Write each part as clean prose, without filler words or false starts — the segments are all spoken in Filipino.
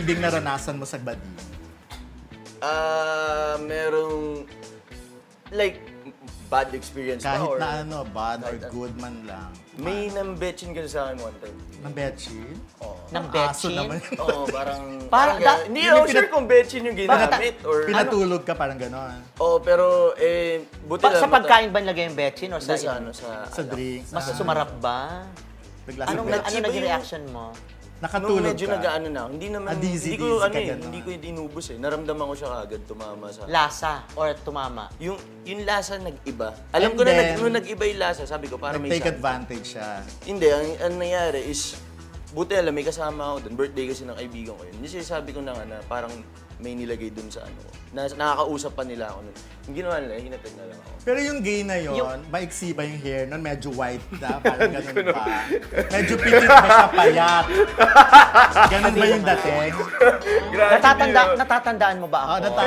matinding naranasan mo sa bading? Merong, like, bad experience ba? Kahit Or na ano, bad or kahit good man lang. may nambetchin ka sa akin one time. Ng betchin? Oo. Ng Aso betchin? naman. Oo, parang... Parang ganun. Hindi ako sure kung betchin yung ginamit or... Pinatulog ka, parang gano'n. Oo, pero buti lang. Sa pagkain ba nilagay yung betchin or Sa sa ano, sa... Sa drinks. Mas sumarap ba? Naglasang Ano betchin. naging reaction mo? Nung Nakatulog medyo ka. nag-ano na, hindi naman, Dizzy, hindi ko, dizzy ka ganun. hindi ko inubos eh. Naramdaman ko siya kaagad, tumama sa... Lasa or tumama? Yung lasa nag-iba. Alam ko And na then, nung nag-iba yung lasa, sabi ko parang may Nag-take something. advantage siya. Hindi, ang nangyari is, buti alam, may kasama ako doon. Birthday kasi ng kaibigan ko yun. Kasi sabi ko na nga na parang may nilagay doon sa ano. Nakakausap pa nila ako nun. Yung ginawa nila, hinatid na lang ako. Pero yung gay na yon, maiksi ba yung hair nun? Medyo white na, parang ganun pa. Medyo pilit ba siya payat? Ganun ba yung dating? Natatandaan mo ba ako? Oh,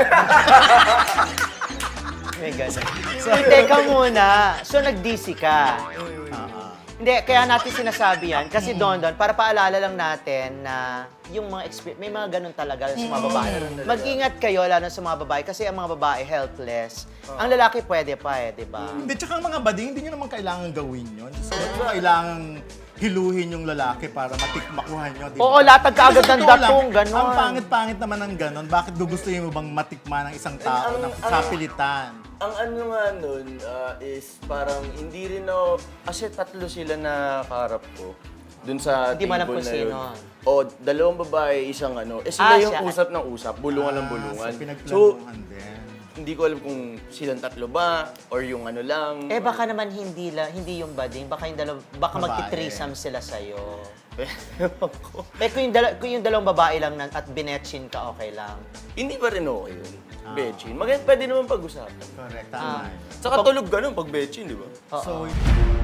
May ganun. So, teka muna. So, nag-DC ka. Hindi, kaya natin sinasabi yan. Kasi Don, para paalala lang natin na yung mga experience, may mga ganun talaga sa mga babae. Mag-ingat kayo, lalo sa mga babae, kasi ang mga babae helpless. Ang lalaki pwede pa di ba? Hindi, tsaka ang mga bading, hindi nyo naman kailangan gawin yun. So, kailangan hiluhin yung lalaki para makuha nyo. Di ba? Oo, latag ka agad ng Totoo lang, datong, ganon. Ang pangit-pangit naman ng ganon. Bakit gugustuhin mo bang matikman ng isang tao na kapilitan? Ang ano nga nun is parang hindi rin ako, kasi tatlo sila na kaharap ko. Dun sa Hindi mo alam table kung na yun. sino. O, dalawang babae, isang ano. Sila yung siya. usap ng usap, bulungan ng bulungan. So, So, pinagplanuhan din. hindi ko alam kung silang tatlo ba, or yung ano lang. Baka naman hindi yung bading, baka yung baka Babae. magti-threesome sila sa'yo. Ewan ko. Kung yung dalawang babae lang at binetchin ka, okay lang. Hindi pa rin okay yun. Betchin. Maganda, pwede naman pag-usapan. Correct, tama. Saka tulog ganun pag betchin, di ba? Oo. So,